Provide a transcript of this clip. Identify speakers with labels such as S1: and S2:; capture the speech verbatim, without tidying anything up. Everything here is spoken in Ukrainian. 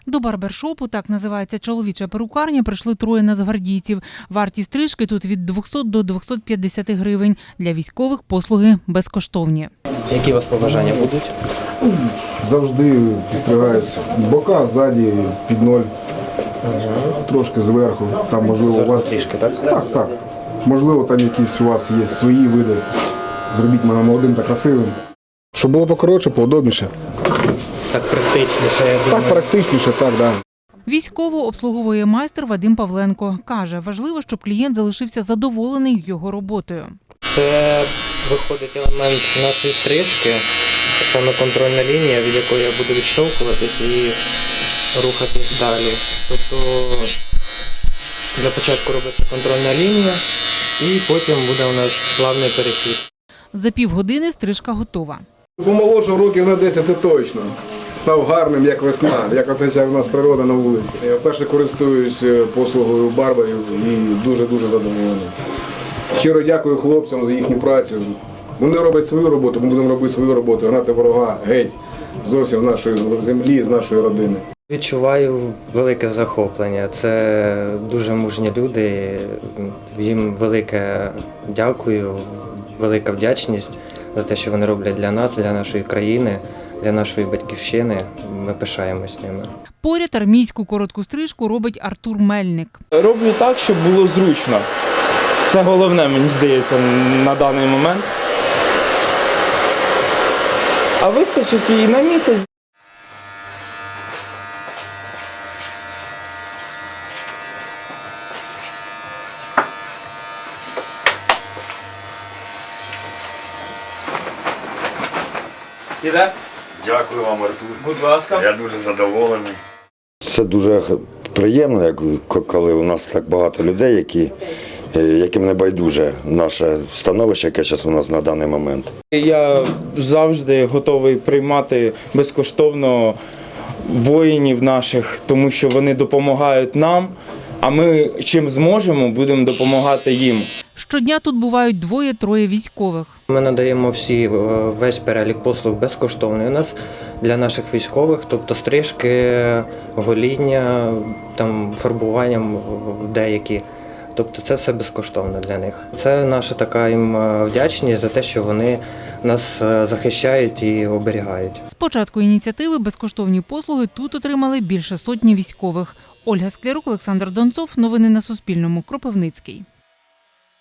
S1: До барбершопу, так називається чоловіча перукарня, прийшли троє нацгвардійців. Вартість стрижки тут від двохсот до двохсот п'ятдесят гривень. Для військових послуги безкоштовні.
S2: Які у вас побажання будуть?
S3: Завжди підстригаюся. Бока, ззаді, під ноль, трошки зверху. Там, можливо, у вас...
S2: Трішки, так?
S3: Так, так. Можливо, там якісь у вас є свої види. Зробіть мене молодим та красивим. Щоб було покоротше, поудобніше.
S2: Так практичніше, я думаю.
S3: Так практичніше, так, да.
S1: Військову обслуговує майстер Вадим Павленко. Каже, важливо, щоб клієнт залишився задоволений його роботою.
S2: Це виходить елемент нашої стрижки, саме контрольна лінія, від якої я буду відштовхуватись і рухатись далі. Тобто для початку робиться контрольна лінія і потім буде у нас плавний перехід.
S1: За півгодини стрижка готова.
S3: Помолодшав років на десять, це точно. Став гарним, як весна, як означає в нас природа на вулиці. Я вперше користуюсь послугою барберів і дуже-дуже задоволений. Щиро дякую хлопцям за їхню працю. Вони роблять свою роботу, ми будемо робити свою роботу, гнати ворога геть зовсім з нашої землі, з нашої родини.
S2: Відчуваю велике захоплення. Це дуже мужні люди. Їм велике дякую, велика вдячність за те, що вони роблять для нас, для нашої країни, для нашої батьківщини. Ми пишаємось ними.
S1: Поряд армійську коротку стрижку робить Артур Мельник.
S4: Роблю так, щоб було зручно. Це головне, мені здається, на даний момент. А вистачить і на місяць. Іде?
S5: Дякую вам, Артур.
S4: Будь ласка.
S5: Я дуже задоволений.
S6: Це дуже приємно, як коли у нас так багато людей, які, яким не байдуже наше становище, яке зараз у нас на даний момент.
S4: Я завжди готовий приймати безкоштовно воїнів наших, тому що вони допомагають нам, а ми чим зможемо, будемо допомагати їм.
S1: Щодня тут бувають двоє-троє військових.
S2: Ми надаємо всі, весь перелік послуг безкоштовний у нас для наших військових, тобто стрижки, гоління, там, фарбування деякі. Тобто це все безкоштовно для них. Це наша така їм вдячність за те, що вони нас захищають і оберігають.
S1: З початку ініціативи безкоштовні послуги тут отримали більше сотні військових. Ольга Склярук, Олександр Донцов. Новини на Суспільному. Кропивницький.